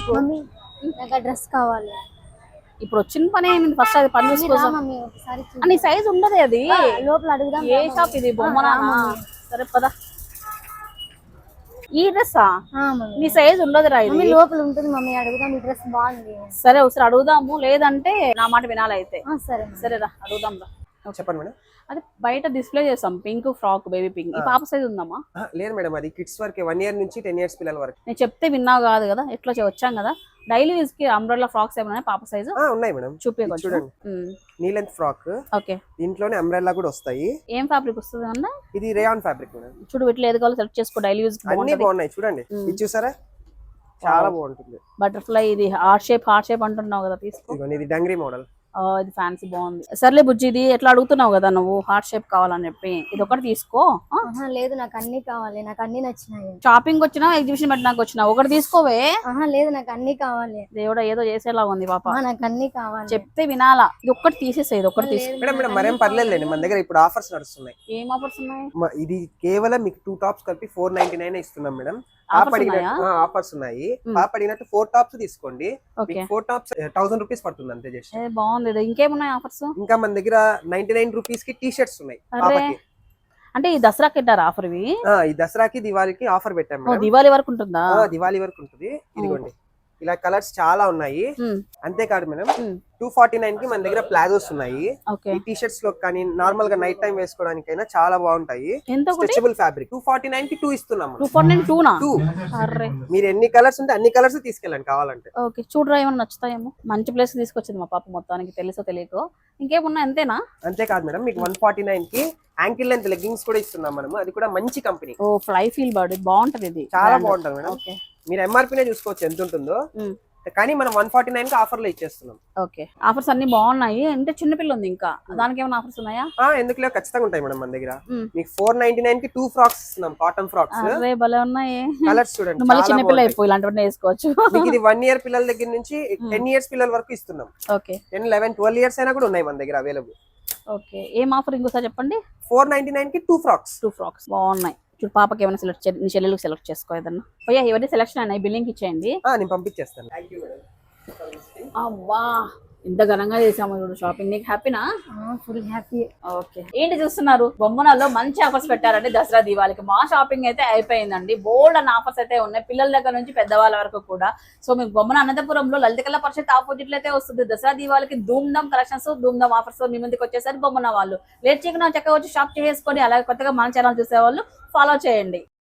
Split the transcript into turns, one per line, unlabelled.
నీకు
మమ్మీ నాకు డ్రెస్ కావాలి.
ఇప్పుడు వచ్చిన పని ఏమింది, ఫస్ట్ అది పని చూసుకో.
మమ్మీ ఒకసారి
నీ సైజ్ ఉండదు అది.
లోపల అడుగుదాం.
ఏ షాప్ ఇది? బొమ్మనా? సరే పదా. ఈ డ్రెస్సా? నీ సైజ్ ఉండదు రా ఇది.
లోపల ఉంటుంది మమ్మీ, అడుగుదాం. ఈ డ్రెస్ బాగుంది.
సరే ఒకసారి అడుగుదాము, లేదంటే నా మాట వినాలి అయితే.
సరే
సరేరా అడుగుదాం రా.
చెప్పండి మేడం.
అది బయట డిస్ప్లే చేస్తాం, పింక్ ఫ్రాక్, బేబీ పింక్. ఈ పాప సైజ్ ఉందమ్మా?
లేదు మేడం, అది కిడ్స్ వరకు 1 year నుంచి 10 years పిల్లల వరకు.
నేను చెప్తే విన్నావు కాదు కదా, ఎట్లా వచ్చాం కదా. డైలీ యూజ్ కి అంబ్రెల్లా ఫ్రాక్స్ ఏమైనా పాప సైజు
ఉన్నాయి మేడం.
చూపించండి.
చూడండి, నీ లెంత్ ఫ్రాక్.
ఓకే,
దీంట్లోనే అంబ్రెల్లా కూడా వస్తాయి.
ఏం ఫ్యాబ్రిక్ వస్తుంది అన్న?
ఇది రేయాన్ ఫ్యాబ్రిక్ మేడం.
చూడు, వీటిలో ఏది కావాలో సెలెక్ట్ చేసుకో. డైలీ యూజ్
అన్ని బాగున్నాయి. చూడండి, ఇది చూసారా, చాలా బాగుంటుంది.
బటర్ఫ్లై, ఇది హార్ట్ షేప్ అంటున్నావు కదా, తీసుకో.
ఇది డంగ్రీ మోడల్.
ఇది ఫ్యాన్సీ బాగుంది. సర్లే బుజ్జి, ఇది ఎట్లా అడుగుతున్నావు కదా నువ్వు, హార్ట్ షేప్ కావాలని చెప్పి, ఇది ఒకటి తీసుకో.
లేదు, నాకు అన్ని కావాలి. నాకు అన్ని నచ్చినాయి.
షాపింగ్ వచ్చినా ఎగ్జిబిషన్ పెట్టడానికి వచ్చినా ఒకటి తీసుకోవే.
లేదు, నాకు అన్ని కావాలి.
దేవుడా, ఏదో చేసేలా ఉంది పాప.
నాకు అన్ని కావాలి.
చెప్తే వినాలా. ఇది ఒక్కటి తీసేసే, ఇది ఒక్కటి తీసుకో.
మేడం మరేం పర్లేదులేండి, మన దగ్గర ఇప్పుడు ఆఫర్స్ నడుస్తున్నాయి.
ఏం ఆఫర్స్ ఉన్నాయి?
ఇది కేవలం మీకు 2 tops కలిపి 499 ఇస్తున్నాం మేడం. ఆఫర్స్ ఉన్నాయి. పాప అడిగినట్టు 4 tops తీసుకోండి. 4 tops 1000 రూపీస్ పడుతుంది అంతే. జస్ట్
బాగుంది. ఇంకేమున్నాయి ఆఫర్స్?
ఇంకా మన దగ్గర 99 రూపీస్ కి టీ షర్ట్స్ ఉన్నాయి.
అంటే ఈ దసరాకి పెట్టారు ఆఫర్? ఇవి
ఈ దసరాకి దివాళీకి ఆఫర్ పెట్టాము.
దివాళీ వరకు ఉంటుందా?
దివాళీ వరకు ఉంటుంది. ఇదిగోండి, ఇలా కలర్స్ చాలా ఉన్నాయి. అంతేకాదు మేడం, 249 కి మన దగ్గర ప్లాజోస్ ఉన్నాయి. ఈ టీ షర్ట్స్ లో కానీ నార్మల్ గా నైట్ టైం వేసుకోవడానికైనా చాలా బాగుంటాయి. Stretchable fabric. 249 కి 2 ఇస్తున్నాం.
2
మీరు ఎన్ని కలర్స్ ఉంటే అన్ని కలర్స్ తీసుకెళ్ళండి కావాలంటే.
ఓకే, చూడరా ఏమైనా నచ్చుతాయేమో. మంచి ప్లేస్ తీసుకొచ్చింది మా పాప మొత్తానికి, తెలుసో తెలియకో. ఇంకేమున్నా అంతేనా?
అంతేకాదు మేడం, మీకు 149 కి యాంకిల్ లెంత్ లెగ్గింగ్స్ కూడా ఇస్తున్నాం మనం. అది కూడా మంచి కంపెనీ.
ఫ్లై ఫీల్ బాడీ బాగుంటది. ఇది
చాలా బాగుంటది మేడం. మీరు ఎంఆర్పీనే చూసుకోవచ్చు ఎంత ఉంటుందో, కానీ మనం 149 కి ఆఫర్ లో ఇచ్చేస్తున్నాం.
ఓకే, ఆఫర్స్ అన్ని బాగున్నాయి. అంటే చిన్నపిల్ల ఉంది, ఇంకా దానికి ఏమైనా ఆఫర్స్ ఉన్నాయా?
ఎందుకు లేవు, ఖచ్చితంగా ఉంటాయి మేడం మన దగ్గర. మీకు 499 కి 2 ఫ్రాక్స్ ఇస్తున్నాం, కాటన్ ఫ్రాక్స్.
భలే ఉన్నాయి.
కలర్స్ చూడండి,
మళ్ళీ చిన్నపిల్ల అయిపోయి ఇలాంటివన్నీ వేసుకోవచ్చు.
మీకు ఇది 1 year పిల్లల దగ్గర నుంచి 10 years పిల్లల వరకు ఇస్తున్నాం.
ఓకే,
10, 11, 12 years అయినా కూడా ఉన్నాయి మన దగ్గర అవైలబుల్.
ఓకే, ఏం ఆఫర్ ఇంకోసారి చెప్పండి?
499 కి 2 ఫ్రాక్స్
బాగున్నాయి. చూడు, పాపకి ఏమైనా సెలెక్ట్ నీ చెల్లెలకు సెలెక్ట్ చేసుకో ఏదన్నా. పోయా, ఇవన్నీ సెలెక్షన్ అయినాయి, బిల్లింగ్ ఇచ్చేయండి.
నేను పంపించేస్తాను.
అవ్వా, ఇంత ఘనంగా చేసాము ఇప్పుడు షాపింగ్. నీకు హ్యాపీనా?
Full happy.
ఓకే, ఏంటి చూస్తున్నారు? బొమ్మనాల్లో మంచి ఆఫర్స్ పెట్టారండి దసరా దీవాళికి. మా షాపింగ్ అయితే అయిపోయిందండి. బోల్డ్ అన్న ఆఫర్స్ అయితే ఉన్నాయి, పిల్లల దగ్గర నుంచి పెద్దవాళ్ళ వరకు కూడా. సో మీకు బొమ్మన అనంతపురంలో లలిత కళా పరిషత్ ఆపోజిట్ లో అయితే వస్తుంది. దసరా దీవాళికి ధూమ్ధామ్ కలెక్షన్స్, ధూమ్ధామ్ ఆఫర్స్ మీ ముందుకు వచ్చేసరికి బొమ్మన వాళ్ళు లేట్ చేయకుండా చక్కగా వచ్చి షాప్ చేసుకొని, అలాగే కొత్తగా మన ఛానల్ చూసేవాళ్ళు ఫాలో చేయండి.